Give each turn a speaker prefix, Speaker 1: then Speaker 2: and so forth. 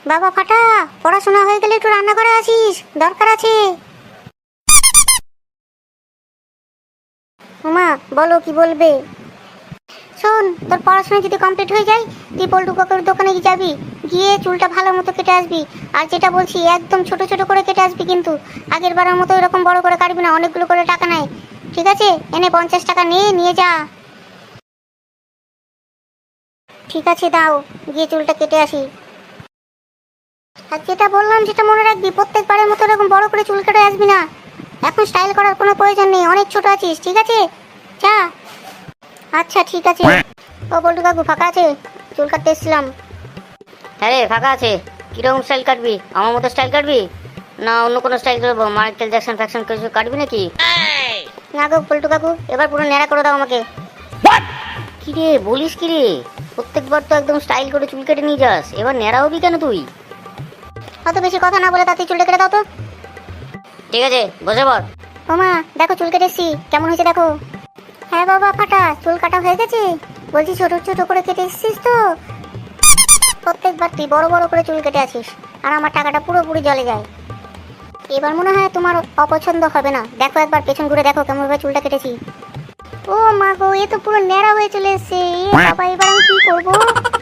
Speaker 1: বাবা ফাটা, পড়াশোনা হয়ে গেলে একটু রান্না করে আসিস, দরকার আছে। মা বলো, কি বলবে? শোন, তোর পড়াশোনা যদি কমপ্লিট হয়ে যায়, তুই পল্টু কাকুর দোকানে যাবি, গিয়ে চুলটা ভালো মতো কেটে আসবি। আর যেটা বলছি, একদম ছোট ছোট করে কেটে আসবি, কিন্তু আগের বারের মতো এরকম বড় করে কাটবি না, অনেকগুলো করে টাকা নেয়। ঠিক আছে, এনে 50 টাকা নিয়ে যা। ঠিক আছে, দাও, গিয়ে চুলটা কেটে আসি। আর যেটা বললাম সেটা মনে রাখবি, প্রত্যেকবারের মতো এরকম বড় করে চুল কেটে আসবি না। এখন স্টাইল করার কোনো প্রয়োজন নেই, অনেক ছোট আছিস। ঠিক আছে, যা। আচ্ছা ঠিক আছে। ও বল্টু কাকু ফাঁকা আছে? চুল কাটতে এসেছিলাম।
Speaker 2: হ্যাঁ রে, ফাঁকা আছে। কিরকম স্টাইল কাটবি? আমার মতো স্টাইল কাটবি না অন্য কোনো স্টাইল করবো? মাইকেল জ্যাকসন ফ্যাকশন কিছু কাটবি নাকি?
Speaker 1: না গো বল্টু কাকু, এবার পুরো ন্যাড়া করে দাও আমাকে।
Speaker 2: কি রে বলিস কি রে? প্রত্যেকবার তো একদম স্টাইল করে চুল কেটে নিয়ে যাস, এবার ন্যাড়া হবি কেন তুই?
Speaker 1: অত বেশি কথা না বলে তাতে চুলটা কেটে দাও তো।
Speaker 2: ঠিক আছে, বসে পড়।
Speaker 1: ও মা, দেখো চুল কেটে এসেছি, কেমন হয়েছে দেখো। হ্যাঁ বাবা ফাটা, চুল কাটা হয়ে গেছে। বলছি ছোট ছোট করে কেটে এসেছিস তো? প্রত্যেকবার তুই বড় বড় করে চুল কেটে আসিস, আর আমার টাকাটা পুরোপুরি জলে যায়। এবার মনে হয় তোমার অপছন্দ হবে না। দেখো একবার পেছন ঘুরে দেখো কেমন ভাবে চুলটা কেটেছি। ও মা গো, এ তো পুরো ন্যাড়া হয়ে চলে এসেছে। এ বাবা, এবার আমি কি করবো?